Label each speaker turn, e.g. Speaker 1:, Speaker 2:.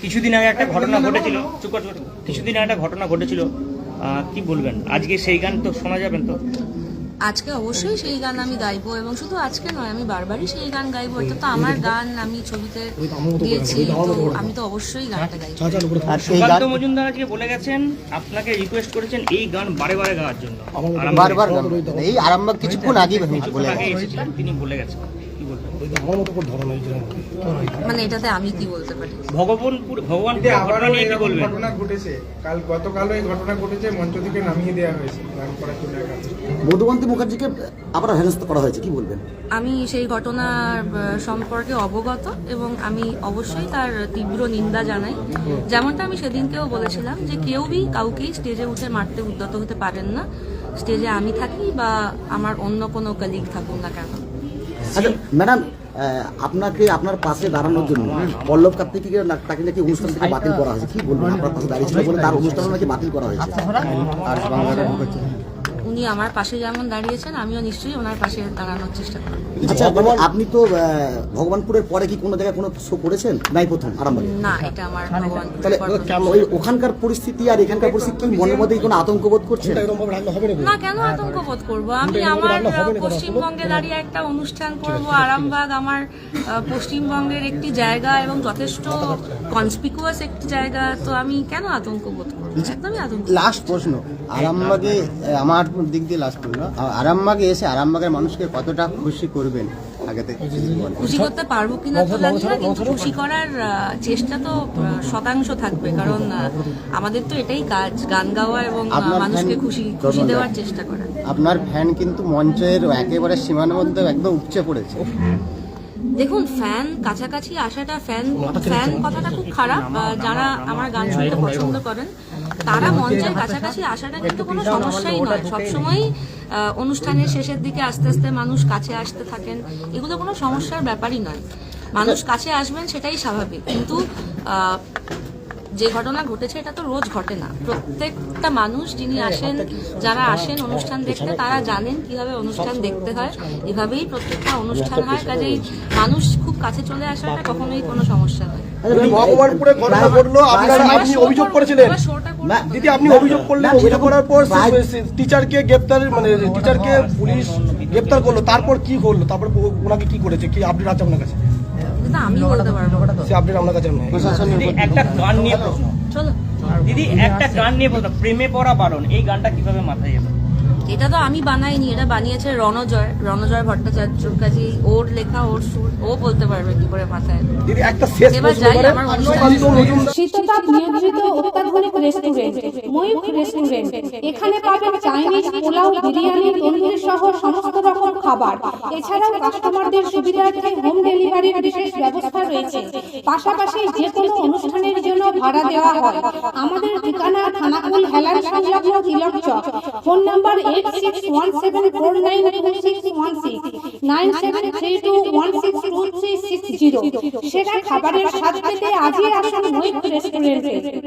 Speaker 1: কিছুদিন আগে একটা ঘটনা ঘটেছিল, কিছুদিন আগে একটা ঘটনা ঘটেছিল, কি বলবেন? আজকে সেই গান তো শোনা যাবেন তো?
Speaker 2: আজকে অবশ্যই সেই গান আমি গাইবো, এবং শুধু আজকে নয়, আমি বারবারই সেই গান গাইবো। এটা তো আমার গান, আমি ছবিতে দিয়েছি, তো আমি তো অবশ্যই গানটা গাইবো।
Speaker 1: সুকান্ত মজুমদার আজকে বলে গেছেন, আপনাকে রিকোয়েস্ট করেছেন এই গান বারে বারে গাওয়ার জন্য।
Speaker 3: বারবার এই আরামবাগ কিছুক্ষণ আগে
Speaker 1: এসেছিলেন, তিনি বলে গেছেন।
Speaker 2: মানে এটাতে আমি কি বলতে পারি?
Speaker 1: ভগবানপুর ঘটনা নিয়ে কি বলবেন?
Speaker 4: ঘটনা ঘটেছে গতকালও এই ঘটনা ঘটেছে, মঞ্চ থেকে নামিয়ে দেওয়া হয়েছে গান করার জন্য।
Speaker 3: মধুবন্তী মুখার্জিকে আবার হেনস্থ করা হয়েছে, কি বলবেন?
Speaker 2: আমি সেই ঘটনার সম্পর্কে অবগত, এবং আমি অবশ্যই তার তীব্র নিন্দা জানাই। যেমনটা আমি সেদিনকেও বলেছিলাম যে কেউই কাউকেই স্টেজে উঠে মারতে উদ্যত হতে পারেন না, স্টেজে আমি থাকি বা আমার অন্য কোনো কলিগ থাকুন না কেন।
Speaker 3: আচ্ছা ম্যাডাম, আপনাকে আপনার পাশে দাঁড়ানোর জন্য পল্লব কার্তিককে তাকে নাকি অনুষ্ঠান থেকে বাতিল করা হয়েছে, কি বলবেন? আপনার পাশে দাঁড়িয়ে ছিল বলে তার অনুষ্ঠান নাকি বাতিল করা হয়েছে।
Speaker 2: উনি আমার পাশে যেমন দাঁড়িয়েছেন, আমিও নিশ্চয়ই ওনার পাশে দাঁড়ানোর চেষ্টা করব।
Speaker 3: আচ্ছা, আপনি তো ভগবানপুরের পরে কি কোনো জায়গায় কোনো শো করেছেন? নাই, প্রথম আরামবাগে?
Speaker 2: না, এটা আমার ভগবানপুর।
Speaker 3: তাহলে ওই ওখানকার পরিস্থিতি আর এখানকার পরিস্থিতি কি মনের মধ্যে কোনো আতঙ্ক বোধ করছেন?
Speaker 2: না, কেন আতঙ্ক বোধ করবো? আমি আমার পশ্চিমবঙ্গে দাঁড়িয়ে একটা অনুষ্ঠান করব। আরামবাগ আমার পশ্চিমবঙ্গের একটি জায়গা এবং যথেষ্ট কনসপিকুয়াস একটি জায়গা, তো আমি কেন আতঙ্ক বোধ করবো? একদমই আতঙ্ক।
Speaker 5: লাস্ট প্রশ্ন, আরামবাগে আমার দিক দিয়ে লাস্ট প্রশ্ন, আরামবাগে এসে আরামবাগের মানুষকে কতটা খুশি করবেন?
Speaker 2: খুশি করতে পারবো কিনা তো জানি না, কিন্তু খুশি করার চেষ্টা তো শতাংশ থাকবে, কারণ আমাদের তো এটাই কাজ, গান গাওয়া এবং মানুষকে খুশি দেওয়ার চেষ্টা করা।
Speaker 5: আপনার ফ্যান কিন্তু মঞ্চের একেবারে সীমানার মধ্যে একদম উপচে পড়েছে।
Speaker 2: দেখুন, ফ্যান কাছাকাছি আসাটা, ফ্যান কথাটা খুব খারাপ। যারা আমার গান শুনতে পছন্দ করেন তারা মঞ্চের কাছাকাছি আসাটা কিন্তু কোনো সমস্যাই নয়। সবসময় অনুষ্ঠানের শেষের দিকে আস্তে আস্তে মানুষ কাছে আসতে থাকেন, এগুলো কোনো সমস্যার ব্যাপারই নয়। মানুষ কাছে আসবেন সেটাই স্বাভাবিক, কিন্তু যে ঘটনা ঘটেছে এটা তো রোজ ঘটে না। প্রত্যেকটা মানুষ যিনি আসেন, যারা আসেন অনুষ্ঠান দেখতে, তারা জানেন কিভাবে অনুষ্ঠান দেখতে হয়। এভাবেই প্রত্যেকটা অনুষ্ঠান হয়, কাজেই মানুষ খুব কাছে চলে আসাটা কখনোই কোনো সমস্যা নয়।
Speaker 6: ভগবানপুরে ঘটনা ঘটলো, আপনি অভিযোগ করেছিলেন দিদি, আপনি অভিযোগ করলেন, অভিযোগ করার পর টিচারকে টিচারকে পুলিশ গ্রেপ্তার করলো, তারপর কি করলো? তারপর ওনাকে কি করেছে, কি আপডেট আছে আপনার কাছে?
Speaker 2: আমি বলতে পারবো,
Speaker 6: সে আপডেট আপনার কাছে নেই।
Speaker 1: একটা গান নিয়ে প্রশ্ন, দিদি একটা গান নিয়ে প্রশ্ন, প্রেমে পড়া বারণ, এই গানটা কিভাবে মাথায় এলো?
Speaker 2: এটা তো আমি বানাইনি, এটা বানিয়েছে রণজয় ভট্টাচার্য, কাজী ওর লেখা, ওর সুর, ও বলতে পারবে কি করে মাথায়।
Speaker 6: দিদি একটা শেষ প্রশ্ন,
Speaker 7: শীততাপ নিয়ন্ত্রিত অত্যাধুনিক রেস্টুরেন্ট ময়ূখ রেস্টুরেন্ট। এখানে পাবেন চাইনিজ, পোলাও, বিরিয়ানি, তন্দুরি সহ সমস্ত রকম খাবার। এছাড়াও কাস্টমারদের সুবিধার্থে হোম ডেলিভারির বিশেষ ব্যবস্থা রয়েছে। পাশাপাশি যে কোনো অনুষ্ঠানের জন্য ভাড়া দেওয়া হয়। আমাদের ঠিকানা থানাকুল হেলান সংলগ্ন তিলক চক। Phone number 8617492616 9732162360। সেরা খাবারের স্বাদ পেতে আজই আসুন ময়ূখ রেস্টুরেন্টে।